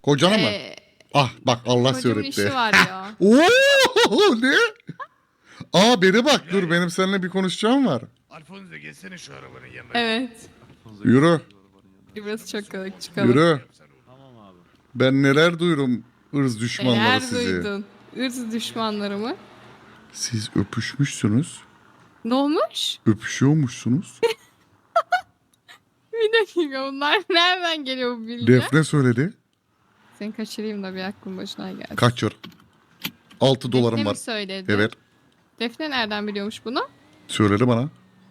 Kocana mı? Ah bak Allah Kocamın söyletti. işi var ya. Oo ne? Aa beni bak dur benim seninle bir konuşacağım var. Alfonso gelsene şu arabanın yanına. Evet. Yürü. Burası çok kalık, çıkalım. Yürü. Tamam abi. Ben neler duyurum ırz düşmanları Neler sizi. duydun? Irz düşmanları mı? Siz öpüşmüşsünüz. Ne olmuş? Öpüşüyormuşsunuz. Bir dakika, bunlar nereden geliyor bu bilgi? Defne söyledi. Seni kaçırayım da bir aklın başına gelsin. Kaçır. 6 Defne dolarım mi var. söyledi? Evet. Defne nereden biliyormuş bunu? Söyledi bana.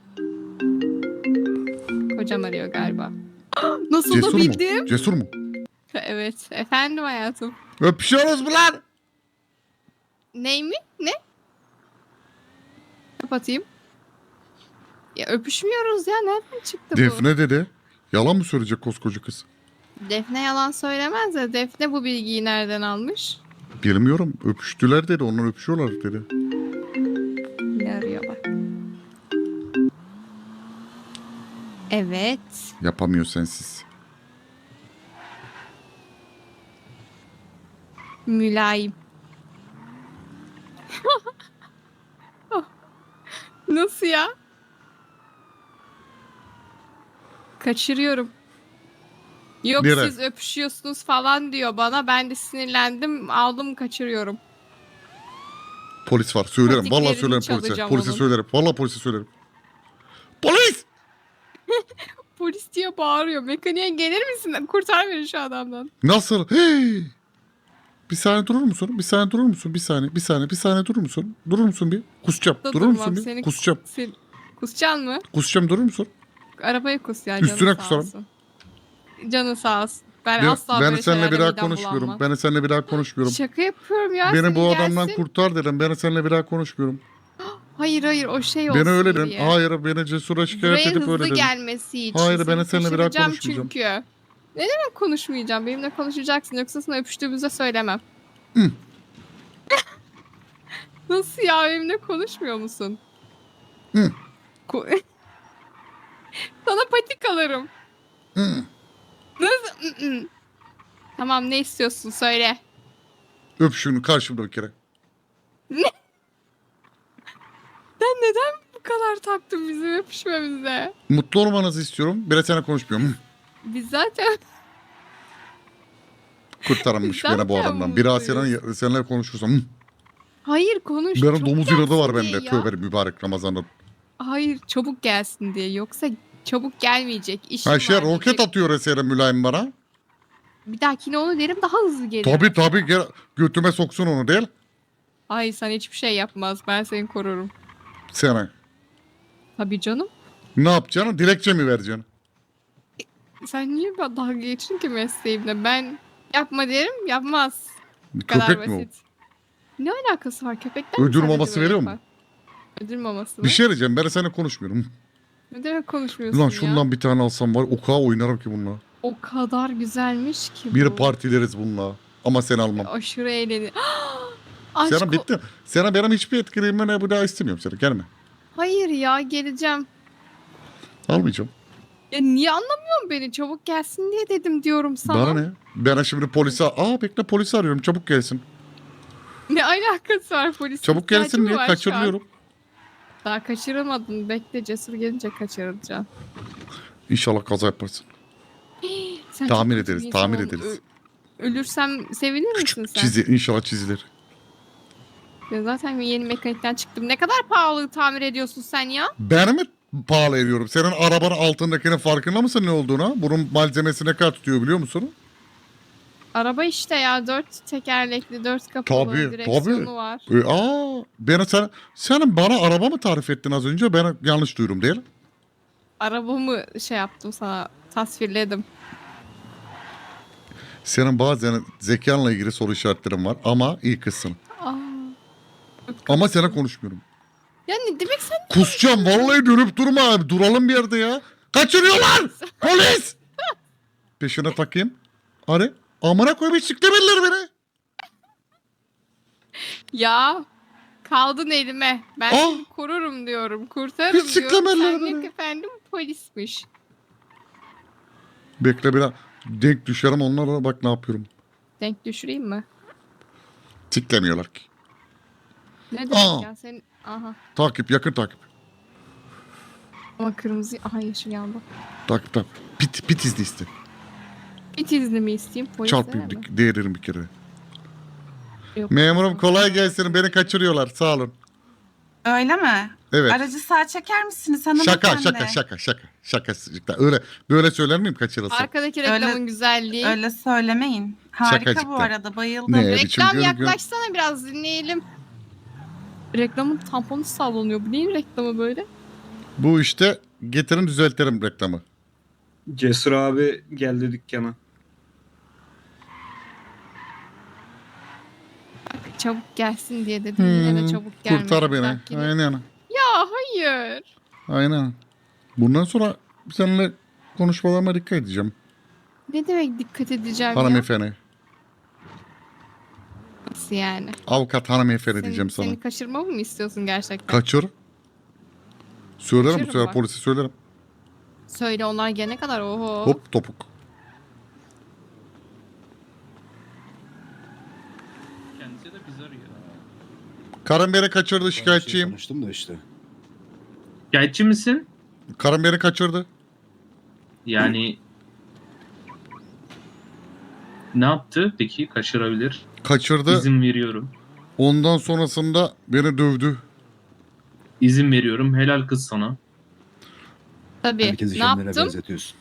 Kocam arıyor galiba. Nasıl Cesur da mu? bildim? Cesur mu? Evet. Efendim hayatım. Öpüşüyoruz mu lan? Ney mi? Ne? Kapatayım. Ya öpüşmüyoruz ya. Nereden çıktı bu? Defne dedi. Yalan mı söyleyecek koskoca kız? Defne yalan söylemez de Defne bu bilgiyi nereden almış? Bilmiyorum. Öpüştüler dedi. Onlar öpüşüyorlar dedi. Ne arıyor bak. Evet. Yapamıyor sensiz. Mülayim. Nasıl ya? Kaçırıyorum. Yok Nereye? siz öpüşüyorsunuz falan diyor bana. Ben de sinirlendim. Aldım kaçırıyorum. Polis var. Söylerim. Patiklerini Vallahi söylerim polise. çalacağım Polise onun. söylerim. Vallahi polise söylerim. Polis! Polis diye bağırıyor. Mekaniğe gelir misin? Kurtar beni şu adamdan. Nasıl? Hey! Bir saniye durur musun? Bir saniye durur musun? Bir saniye. Bir saniye. Bir saniye durur musun? Durur musun bir? Kusacağım. Da Durur musun durmam, bir? seni- Kusacağım. Kusacaksın mı? Kusacağım durur musun? Arabaya kus ya. Üstüne canı sağ kusarım. olsun. Canı sağ olsun. Ben Ben, asla ben böyle seninle bir şeylerle daha midem konuşmuyorum. bulanmam. Ben seninle bir daha konuşmuyorum. Şaka yapıyorum ya. Beni senin bu adamdan gelsin. kurtar dedim. Ben seninle bir daha konuşmuyorum. Hayır hayır o şey olsun Beni öyle dedim. diye. Hayır beni cesura şikayet Buraya edip hızlı öyle dedim. gelmesi için. Hayır, ben Seni seninle bir daha kaçıracağım konuşmayacağım. çünkü. Ne demek konuşmayacağım? Benimle konuşacaksın. Yoksa sana öpüştüğümüzde söylemem. Hı. Nasıl ya? Benimle konuşmuyor musun? Hı. Sana patik alırım. Hı. Nasıl? Hı. Tamam ne istiyorsun söyle. Öp şunu karşımda bir kere. Sen neden bu kadar taktın bizim öpüşmemize? Mutlu olmanızı istiyorum. Biraz seninle konuşmuyorum. Hı. Biz zaten Kurtarılmış Zaten beni bu adamdan. Biraz mutluyuz. seninle konuşursam. Hı. hayır konuş. Benim çabuk domuz inadı var gelsin bende. diye ya. Tövbe mübarek Ramazan'da. Hayır çabuk gelsin diye. Yoksa çabuk gelmeyecek. İşim Ha şey var roket diyecek. atıyor esere mülayim bana. Bir dahakine onu derim daha hızlı gelir. Tabii gel, götüme soksun onu değil. Hayır sen hiçbir şey yapmaz. Ben seni korurum. Sana. Tabii canım. Ne yapacaksın? Dilekçe mi vereceksin? Sen niye dalga geçtin ki mesleğimle? Ben yapma derim yapmaz. Bu kadar Köpek mi o? basit. Ne alakası var köpekler mi Ödül sadece maması böyle veriyor mu? yapar? Ödül maması mı? Bir şey diyeceğim. Ben seninle konuşmuyorum. Ne demek konuşmuyorsun Ulan ya? şundan bir tane alsam var. O kadar oynarım ki bununla. O kadar güzelmiş ki bu. Bir partileriz bununla. Ama seni almam. Aşırı eğlenir. Aşk Sana bitti. Sana benim hiçbir etkileyim ne bu daha istemiyorum seni. Gelme. Hayır ya geleceğim. Almayacağım. Ya niye anlamıyorsun beni? Çabuk gelsin diye dedim diyorum sana. Bana ne? Ben şimdi polise... Bekle polisi arıyorum. Çabuk gelsin. Ne alakası var polis? Çabuk gelsin diye kaçırıyorum. Daha kaçırılmadın. Bekle cesur gelince kaçırılacaksın. İnşallah kaza yaparsın. Sen Tahmin çok kötü ederiz, bir tahmin insan ederiz. Ölürsem sevinir misin sen? İnşallah çizilir. Ya zaten yeni mekanikten çıktım. Ne kadar pahalı tamir ediyorsun sen ya? Ben mi pahalı ediyorum? Senin arabanın altındakinin farkında mısın ne olduğuna? Bunun malzemesi ne kadar tutuyor biliyor musun? Araba işte ya. 4 tekerlekli, 4 kapalı Tabii, direksiyonu tabii. var. Senin bana araba mı tarif ettin az önce? Ben yanlış duydum değil. Arabamı şey yaptım sana. Tasvirledim. Senin bazen zekanla ilgili soru işaretlerin var ama iyi kızsın. Aa, Ama sana konuşmuyorum. ya ne demek sen? Kusacağım vallahi dönüp durma abi. Duralım bir yerde ya. Kaçırıyorlar! Polis! Peşine takayım. Arı. Amına koyayım hiç siklemediler beni. Ya kaldın elime. Ben Ah! seni korurum diyorum. Kurtarırım Hiç diyorum. siklemediler Sen beni. yok efendim polismiş. Bekle biraz. Denk düşerim onlara bak ne yapıyorum. Denk düşüreyim mi? Siklemiyorlar ki. Ne demek Aa. ya senin? Aha. Takip, yakın takip. Ama kırmızı. Aha yeşil yandı. Takip takip. Pit izni iste. Bir izni mi isteyeyim? Polis Çarpayım, mi? değiririm bir kere. Yok. Memurum kolay gelsin. Beni kaçırıyorlar. Sağ olun. Öyle mi? Evet. Aracı sağa çeker misiniz hanımefendi? Şaka. Öyle böyle söyler miyim kaçırılsın? Arkadaki Öyle- reklamın güzelliği. Öyle söylemeyin. Harika Şakacıktan. bu arada, bayıldım. Ne? biçim Reklam görüntü? yaklaşsana biraz dinleyelim. Reklamın tamponu sallanıyor. Bu neyin reklamı böyle? Bu işte getirin düzeltelim reklamı. Cesur abi geldi dükkana. Bak, çabuk gelsin diye dedim. Yine de çabuk gelmedi. Kurtar beni. Bak yine- Aynen. Ya hayır. Aynen. Bundan sonra seninle konuşmalarıma dikkat edeceğim. Ne demek dikkat edeceğim ya? Hanımefendi. Nasıl yani? Avukat hanımefendi diyeceğim sana. Seni kaçırmamı mı istiyorsun gerçekten? Kaçır. Söylerim bu Kaçırırım sefer bak. polise söylerim. Söyle onlar gelene kadar oho. Hop topuk. Kendisi de bizi arıyor. Karım beni kaçırdı Ben bir şey şikayetçiyim. konuştum da işte. Şikayetçi misin? Karım beni kaçırdı. Yani ne yaptı? Peki kaçırabilir. Kaçırdı. İzin veriyorum. Ondan sonrasında beni dövdü. İzin veriyorum. Helal kız sana. Tabii. Herkesi Ne kendine yaptım? benzetiyorsun.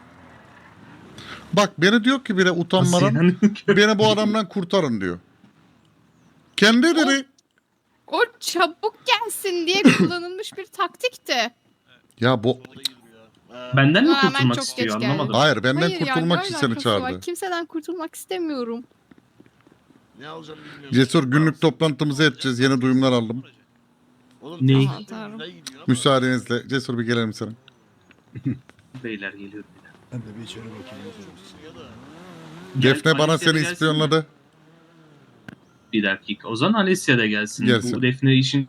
Bak beni diyor ki bile Nasıl utanmadan yani? beni bu adamdan kurtarın diyor. Kendi dedi. O çabuk gelsin diye kullanılmış bir taktikti. Ya bu Benden mi Rağmen kurtulmak çok istiyor? geç geldi. Anlamadım. hayır benden Hayır ya, kurtulmak ne için seni alakası var? çağırdı. Kimseden kurtulmak istemiyorum. Ne alacağım bilmiyorum. Cesur günlük toplantımızı edeceğiz. Yeni duyumlar aldım. Oğlum, Ne? tamam, Aman tanrım. güzel gidiyor ama- Müsaadenizle Cesur bir gelelim sana. Beyler geliyor. Ben de bir içeri bakayım. Ya da- Defne bana Alessia da seni gelsin ispiyonladı. mi? Bir dakika. O zaman Alessia da gelsin. Gelsin. Bu Defne işin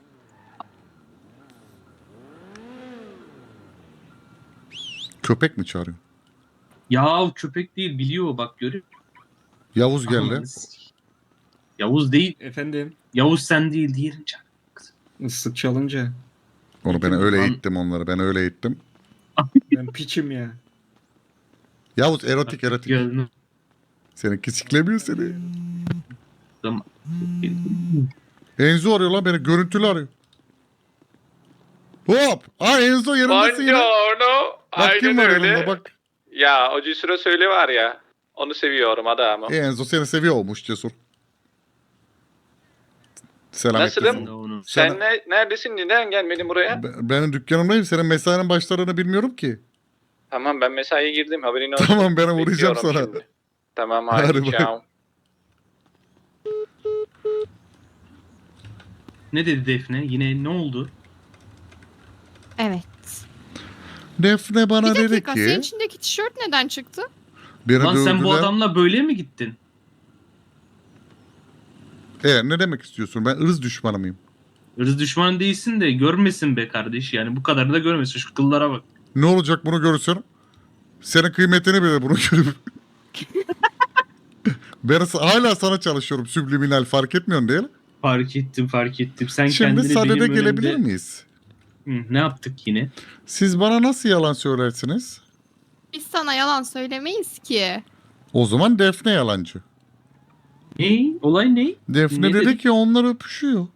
Köpek mi çağırıyor? ya köpek değil biliyor bak görüyor. Yavuz geldi. Aman, Yavuz değil. Efendim, Yavuz sen değil diğerin can. ıslık çalınca Onu ben öyle Lan- eğittim onları. Ben öyle eğittim. ben piçim ya. Yavuz erotik. Gönlüm. Seninki siklemiyor seni. Tamam. Enzo arıyor lan beni. Görüntülü arıyor. Hop. Aa Enzo yanındasın yine. Buongiorno. Bak kim Aynen var öyle. yanında bak. Ya o Cesur söyle var ya. Onu seviyorum adamı. Enzo seni seviyor olmuş Cesur. Selam et Nasılım? kızım. Onu. Sen neredesin? Neden gelmedin buraya? Benim dükkanımdayım. Senin mesainin başlarını bilmiyorum ki. Tamam ben mesaiye girdim haberin olsun. Tamam ben uğrayacağım Bekliyorum sana. şimdi. Tamam Hadi hadi bak. ciao. Ne dedi Defne? Yine ne oldu? Evet. Defne bana Bir dedi dakika senin ki içindeki tişört neden çıktı? beni Lan sen bu dövdüler. adamla böyle mi gittin? Ne demek istiyorsun? Ben ırz düşmanı mıyım? Irz düşman değilsin de görmesin be kardeş. Yani bu kadarını da görmesin. Şu kıllara bak. Ne olacak bunu görürsen? Senin kıymetini bile bunu görüp. Ben hala sana çalışıyorum subliminal fark etmiyorsun değil mi? Fark ettim. Sen Şimdi kendini sadede benim gelebilir önümde... miyiz? Hı, ne yaptık yine? Siz bana nasıl yalan söylersiniz? Biz sana yalan söylemeyiz ki. O zaman Defne yalancı. Ne? Olay ne? Defne Ne dedi dedik? ki onlar öpüşüyor.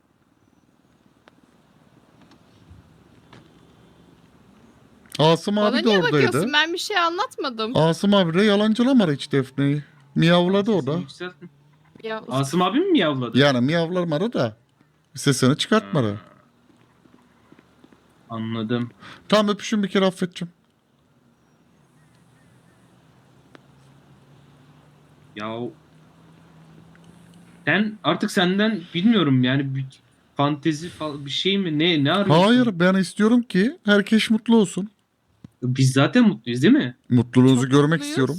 Asım Bana abi de niye oradaydı. bakıyorsun? Ben bir şey anlatmadım. Asım abi de yalancılamadı hiç Defne'yi. Miyavladı o da. Sesini yükseltme. Ya, Asım abi mi yavladı? Yani miyavlamadı da. Sesini çıkartmadı. Anladım. Tamam öpüşün bir kere affedeceğim. Ya sen artık senden bilmiyorum yani bir fantezi falan bir şey mi ne arıyorsun? Hayır ben istiyorum ki herkes mutlu olsun. Biz zaten mutluyuz değil mi? Mutluluğunuzu çok görmek mutluyuz. istiyorum.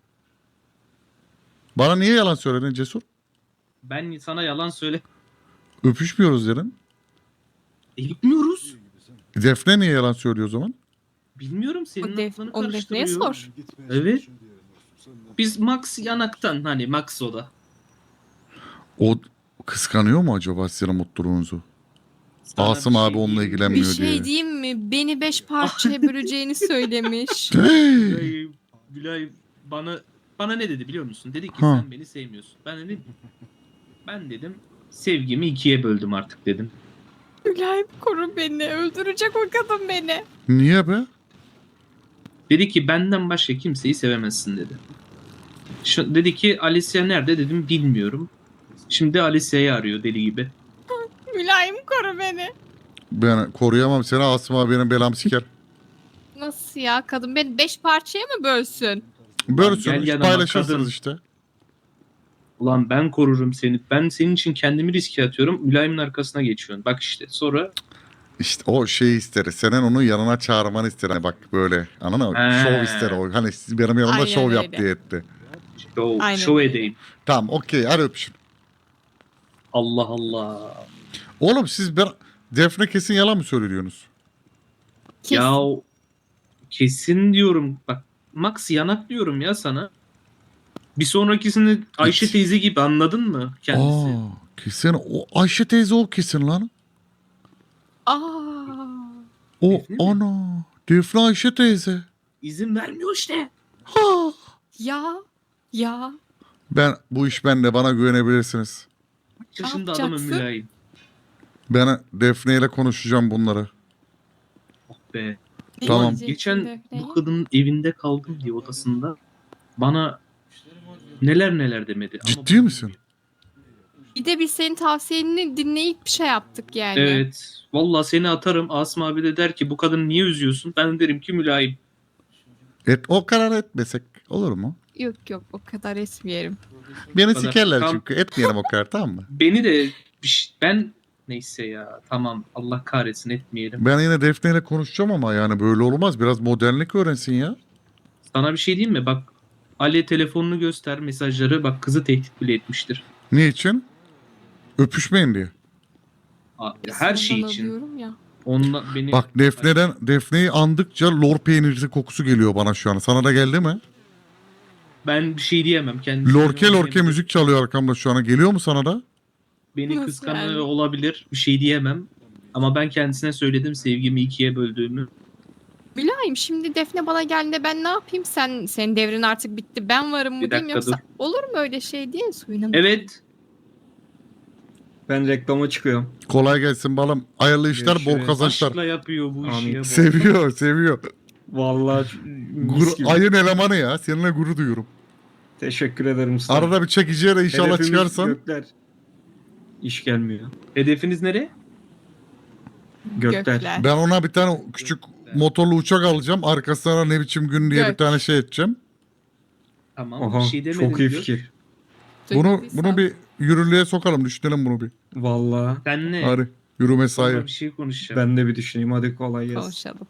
Bana niye yalan söyledin Cesur? Ben sana yalan söyle. Öpüşmüyoruz dedin. Yapmıyoruz. Defne niye yalan söylüyor o zaman? Bilmiyorum senin O aklını onu Defne'ye karıştırıyor. sor. Evet. Biz Max yanaktan hani Max o da. O kıskanıyor mu acaba sizin mutluluğunuzu? Sana Asım bir abi şey onunla diyeyim mi? ilgilenmiyor Bir şey diye. diyeyim mi? Beni 5 parçaya böleceğini söylemiş. Gülay bana ne dedi biliyor musun? Dedi ki Ha. sen beni sevmiyorsun. Ben dedim sevgimi ikiye böldüm artık dedim. Mülayim koru beni. Öldürecek o kadın beni. Niye be? Dedi ki benden başka kimseyi sevemezsin dedi. Dedi ki Alicia nerede dedim bilmiyorum. Şimdi Alicia'yı arıyor deli gibi. Mülayim koru beni. Ben koruyamam seni, Asım abi benim belamı siker. Nasıl ya? Kadın beni 5 parçaya mı bölsün? Böylesiniz gel yanıma paylaşırsınız kadın. işte. Ulan ben korurum seni. Ben senin için kendimi riske atıyorum. Mülayimin arkasına geçiyorsun. Bak işte sonra İşte o şeyi ister. Senin onu yanına çağırmanı ister. Hani bak böyle. Anladın mı? He. Şov ister o. Hani siz benim yanımda Aynen şov yap öyle. diye etti. Aynen şov öyle. edeyim. Tamam okey hadi öpüşün. Allah Allah. Oğlum siz Defne kesin yalan mı söylüyorsunuz? Kesin. Ya kesin diyorum. Bak Max yanak diyorum ya sana. Bir sonrakisini Ayşe Hiç. teyze gibi anladın mı kendisi? Kesin o Ayşe teyze o kesin lan. Aa. O Defne mi? ana. Defne Ayşe teyze. İzin vermiyor işte. Ha. Ya. Bu iş bende, bana güvenebilirsiniz. Kaç yaşında adamın yapacaksın? mülayim. Ben Defne ile konuşacağım bunları. Oh be. Ne Tamam. diyeceksin Geçen Defne'ye? bu kadının evinde kaldım diye odasında bana neler demedi. Ama Ciddi bunu misin? bilmiyorum. Bir de biz senin tavsiyeni dinleyip bir şey yaptık yani. Evet. Vallahi seni atarım. Asım abi de der ki bu kadını niye üzüyorsun? Ben derim ki mülayim. O karar etmesek olur mu? Yok o kadar etmeyelim. Beni kadar. sikerler Tam- çünkü. Etmeyelim o kadar, tamam mı? Beni de ben neyse ya tamam Allah kahretsin etmeyelim. Ben yine Defne ile konuşacağım ama yani böyle olmaz. Biraz modernlik öğrensin ya. Sana bir şey diyeyim mi? Bak Ali telefonunu göster mesajları. Bak kızı tehdit bile etmiştir. Ne için? Öpüşmeyin diye. Her şey Ondan için. alıyorum ya. Onunla beni Bak Defne'yi andıkça lor peynirli kokusu geliyor bana şu an. Sana da geldi mi? ben bir şey diyemem. Kendisi Lorke müzik çalıyor arkamda şu an. Geliyor mu sana da? Beni Nasıl kıskanıyor yani? olabilir. Bir şey diyemem. Ama ben kendisine söyledim sevgimi ikiye böldüğümü. Mülayim şimdi Defne bana geldiğinde ben ne yapayım? Senin devrin artık bitti. Ben varım mı Bir diyeyim dakika yoksa olur mu öyle şey diye suyuna mı? Evet. Ben reklama çıkıyorum. Kolay gelsin balım. Hayırlı işler, bol Görüşürüz. kazançlar. Aşkla yapıyor bu işi Amin. ya. bu. Seviyor. Vallahi mis gibi. Ayın elemanı ya. Seninle gurur duyuyorum. Teşekkür ederim usta. Arada bir çekiciye de inşallah Hedefimiz çıkarsan. Gökler. İş gelmiyor. Hedefiniz nereye? Gökler. Ben ona bir tane küçük motorlu uçak alacağım. Arkasına ne biçim gün diye Gök. bir tane şey edeceğim. Tamam Oha bir şey demedim çok iyi diyor. fikir. Bunu bir yürürlüğe sokalım. Düşünelim bunu bir. Vallahi Senle Hadi yürü mesai. sonra bir şey konuşacağım. ben de bir düşüneyim. Hadi kolay gelsin. Konuşalım.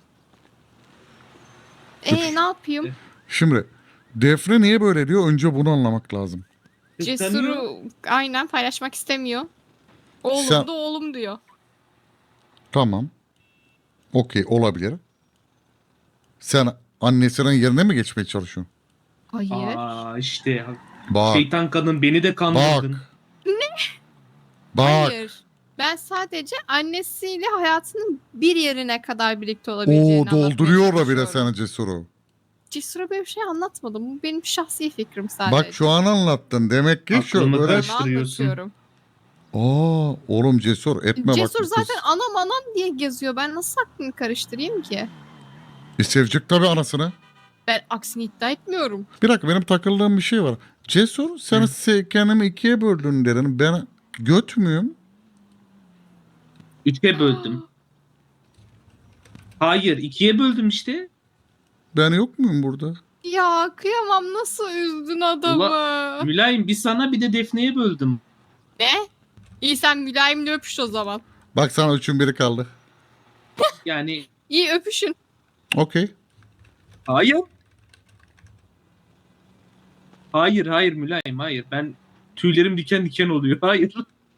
Ne yapayım? Şimdi Defne niye böyle diyor? Önce bunu anlamak lazım. Kıskanıyor. Cesur'u aynen paylaşmak istemiyor. Oğlum Sen- da oğlum diyor. Tamam. Okey, olabilir. Sen annesinin yerine mi geçmeye çalışıyorsun? Hayır. Aa işte Bak. şeytan kadın beni de kandırdın. Bak. Hayır. Ben sadece annesiyle hayatının bir yerine kadar birlikte olabileceğini Oo, dolduruyor da bile çalışıyorum. sana Cesur'u. Cesur'a böyle bir şey anlatmadım. Bu benim şahsi fikrim sadece. Bak şu an anlattın. Demek ki şu Aklımı öyle... karış- Onu karıştırıyorsun. anlatıyorum. Aa, oğlum Cesur etme bak. Cesur bu zaten kız. anam diye geziyor. Ben nasıl aklını karıştırayım ki? Sevecek tabii anasını. Ben aksini iddia etmiyorum. Bir dakika, benim takıldığım bir şey var. Cesur sen kendimi ikiye böldün dedin. Ben göt müyüm? Üçe böldüm. Hayır ikiye böldüm işte. Ben yok muyum burada? Ya kıyamam, nasıl üzdün adamı. Mülayim bir sana bir de Defne'ye böldüm. Ne? İyi sen mülayimle öpüş o zaman. Bak sana üçün biri kaldı. Yani İyi öpüşün. Okey. hayır. Hayır Mülayim hayır. Ben tüylerim diken diken oluyor. Hayır.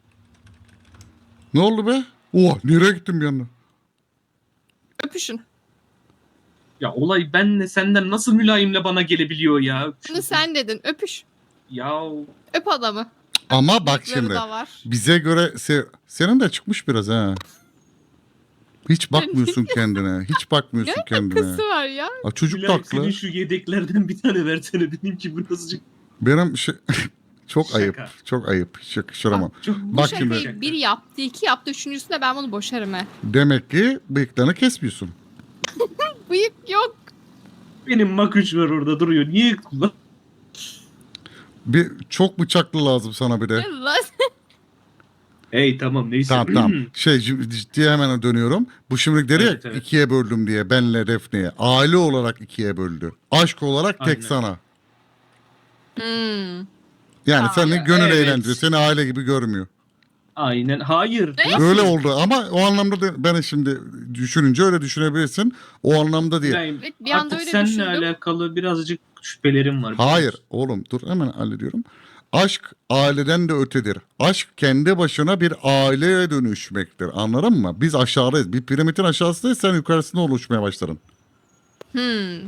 Ne oldu be? Oha, nereye gittim bir anda? Öpüşün. Ya olay benle senden nasıl mülayimle bana gelebiliyor ya? Bunu sen dedin. Öpüş. Ya Öp adamı. Ama bak Bıyıkları şimdi. da var. Bize göre senin de çıkmış biraz ha. Hiç bakmıyorsun kendine. Hiç bakmıyorsun kendine. Kısı var ya. Aa, çocuk da Mülayim haklı. senin şu yedeklerden bir tane versene dedim ki bu nasıl Benim çok Şaka. ayıp. Çok ayıp. Hiç yakıştıramam. çok Bu Bak şakayı şimdi. bir yaptı, iki yaptı. Üçüncüsünde ben bunu boşarım he. Demek ki bıyıklarını kesmiyorsun. Bıyık yok. benim makuç var orada duruyor. Niye kullan? Bir çok bıçaklı lazım sana bir de. Lan. Hey tamam neyse. Tamam. Ciddiye hemen dönüyorum. Bu şimdi dedi Evet, ya evet. ikiye böldüm diye benle Defne'ye. Aile olarak ikiye böldü. Aşk olarak tek Aynen. sana. Hmm. Yani Aa, senin gönül evet. eğlendiriyor. Seni aile gibi görmüyor. Aynen. Hayır. Nasıl? Öyle oldu ama o anlamda da ben şimdi düşününce öyle düşünebilirsin. O anlamda değil. Mülayim, Evet, bir anda artık öyle seninle düşündüm. alakalı birazcık şüphelerim var. Hayır oğlum dur hemen hallediyorum. Aşk aileden de ötedir. Aşk kendi başına bir aileye dönüşmektir. Anladın mı? Biz aşağıdayız. Bir piramidin aşağısındayız, sen yukarısında oluşmaya başladın. Hmm.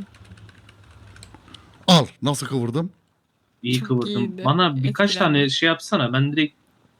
Al nasıl kıvırdım? İyi Çok kıvırdım. iyiydi. Bana birkaç Etkilendim. tane şey yapsana. Ben direkt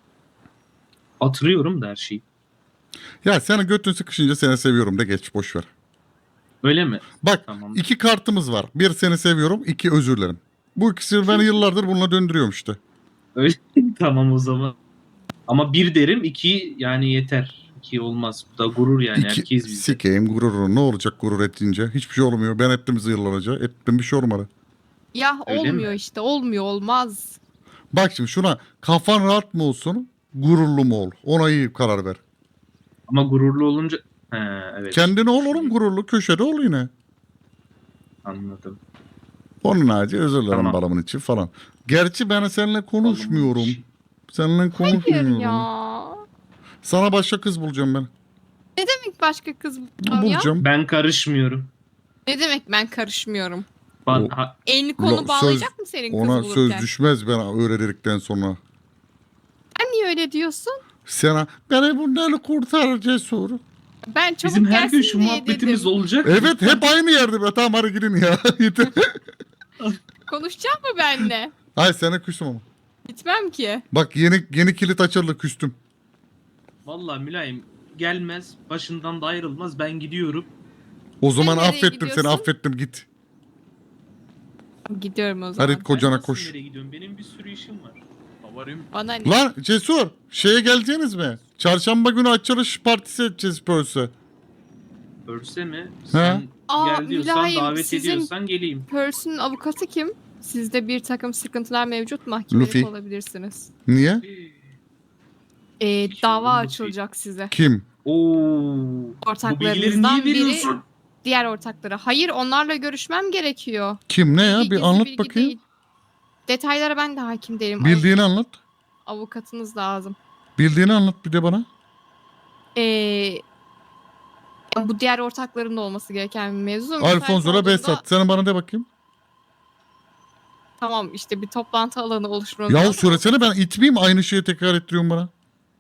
hatırlıyorum da her şeyi. Ya seni götün sıkışınca seni seviyorum de geç boş ver. Öyle mi? Bak Tamam. 2 kartımız var. Bir seni seviyorum, 2 özür dilerim. Bu ikisini ben yıllardır bununla döndürüyorum işte. Öyle tamam o zaman. Ama bir derim, iki yani yeter. İki olmaz. Bu da gurur yani. İki, Herkes bizde. sikeyim gururunu. Ne olacak gurur ettiğince? Hiçbir şey olmuyor. Ben ettim yıllarca. Ettim bir şey olmadı. Ya Öyle olmuyor mi? işte. Olmuyor olmaz. Bak şimdi şuna kafan rahat mı olsun, gururlu mu ol? Ona iyi karar ver. Ama gururlu olunca... He evet. Kendine ol oğlum gururlu. Köşede ol yine. Anladım. Onun harici özür dilerim Tamam. balımın için falan. Gerçi ben seninle konuşmuyorum. Balımın Seninle Hayır konuşmuyorum. ya. Sana başka kız bulacağım ben. Ne demek başka kız bulacağım ya? Bulacağım. Ben karışmıyorum. Ne demek ben karışmıyorum? O- Elini kolunu Lo- bağlayacak mı senin kız Ona bulurken? söz düşmez ben öyle dedikten sonra. Sen niye öyle diyorsun? Sana beni bunları kurtar Cesur. Ben çabuk Bizim her gün gelsin şu diye muhabbetimiz dedim. olacak. Evet hep aynı yerde be. Tamam hadi gidin ya. Yeter. Konuşacak mı benimle? Hayır sana küstüm ama. Gitmem ki. Bak yeni kilit açıldı küstüm. Vallahi mülayim gelmez. Başından da ayrılmaz. Ben gidiyorum. O zaman nereye affettim gidiyorsun? seni affettim git. Gidiyorum o zaman. Hadi kocana Ben nasıl koş. nereye gidiyorum? Benim bir sürü işim var. Havarım. Bana ne? Lan Cesur şeye geleceğiniz mi? Çarşamba günü açılış partisi edeceğiz Pörs'e. Örse mi? He. Sen Aa, gel diyorsan mülayim, davet sizin- ediyorsan geleyim. Pearl's'ün avukatı kim? Sizde bir takım sıkıntılar mevcut. Mahkemelik Luffy. olabilirsiniz. Niye? Hiç Dava olmadı açılacak size. Kim? Oo. Bu bilgileri Ortaklarınızdan niye biri veriyorsun? diğer ortaklara. Hayır, onlarla görüşmem gerekiyor. Kim ne ya? Bilgi Bir gizli anlat bilgi bakayım. değil. Detaylara ben de hakim değilim. Bildiğini anlat. Avukatınız lazım. Bildiğini anlat bir de bana. Bu diğer ortakların da olması gereken bir mevzu. Alfonso'la Behzat. Sen bana de bakayım. Tamam işte bir toplantı alanı oluşturmamız Ya lazım. söylesene ben itmeyeyim aynı şeyi tekrar ettiriyorsun bana.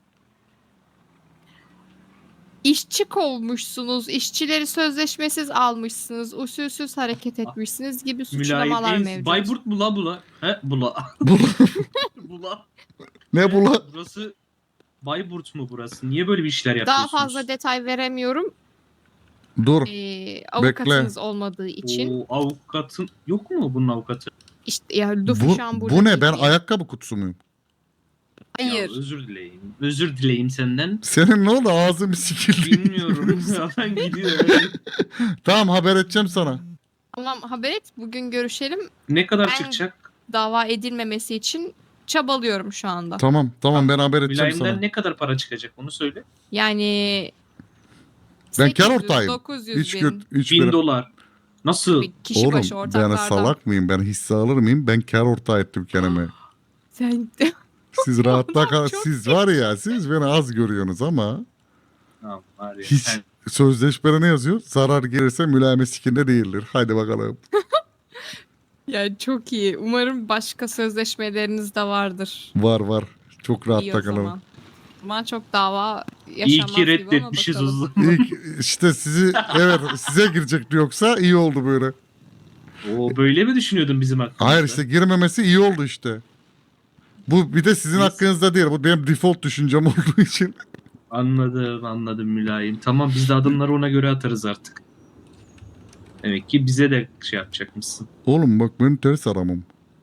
İşçi kovmuşsunuz, işçileri sözleşmesiz almışsınız, usulsüz hareket etmişsiniz gibi suçlamalar Mülayim mevcut. Bayburt mu la bula? He bula. Bu- Bula. ne bu la? Burası Bayburt mu burası? Niye böyle bir işler Daha yapıyorsunuz? fazla detay veremiyorum. Dur. Avukatınız olmadığı için. O avukatın yok mu bunun avukatı? İşte ya Luffy şu an burada Bu ne? değil Ben diye. ayakkabı kutusu muyum? Hayır. Ya, özür dileyim. Özür dileyim senden. Senin ne oldu? Ağzın bir sikildi. Bilmiyorum. ya ben gidiyorum. Tamam haber edeceğim sana. Tamam haber et. Bugün görüşelim. Ne kadar Ben- çıkacak? Dava edilmemesi için çabalıyorum şu anda. Tamam ben haber edeceğim Mülayimden sana. ne kadar para çıkacak onu söyle. Yani Ben kar 800, ortağıyım. 900 Hiç bin. göt, hiç 1000 bire- dolar. Nasıl? Bir kişi Oğlum başı ben ortaklardan. salak mıyım? Ben hisse alır mıyım? Ben kar ortağı ettim kendime. Sen Siz rahatta kal. çok Siz var ya siz beni az görüyorsunuz ama Tamam, var ya. hiç Sen- sözleşmede ne yazıyor? Zarar gelirse mülayime sikinde değildir. Haydi bakalım. ya çok iyi. Umarım başka sözleşmeleriniz de vardır. Var. Çok İyi rahatta o kalalım. zaman. zaman çok dava İyi yaşanmaz ki gibi ama reddetmişiz o bakalım. zaman. İlk işte evet size girecekti yoksa iyi oldu böyle. Oo, böyle mi düşünüyordun bizim hakkımızda? Hayır işte girmemesi iyi oldu işte. Bu bir de sizin Biz- hakkınızda değil. Bu benim default düşüncem olduğu için. Anladım mülayim. Tamam biz de adımları ona göre atarız artık. Demek ki bize de şey yapacakmışsın. Oğlum bak ben ters aramam.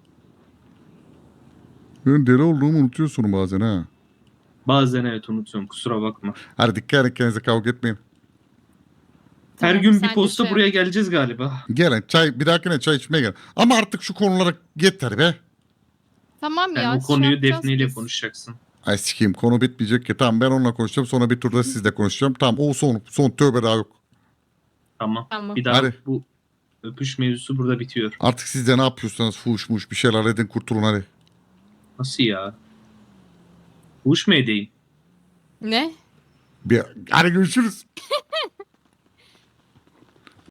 Ben deli olduğumu unutuyorsun bazen ha. Bazen evet unutuyorum kusura bakma. Hadi dikkat edin kendinize kavga etmeyin. Her Tamam, gün sen bir de posta şey buraya yap. geleceğiz galiba. Gelin bir dahakine çay içmeye gel. Ama artık şu konulara yeter be. Tamam Sen ya. o konuyu yapacağız Defne ile biz. konuşacaksın. Ay sikeyim konu bitmeyecek ki. Tamam ben onunla konuşacağım. Sonra bir turda sizle konuşacağım. Tamam o son tövbe daha yok. Tamam. Tamam. Bir daha Hadi. bu öpüş mevzusu burada bitiyor. Artık siz de ne yapıyorsanız fuş bir şeyler edin kurtulun hadi. Nasıl ya? Uş mu edeyim? Ne? Hadi görüşürüz.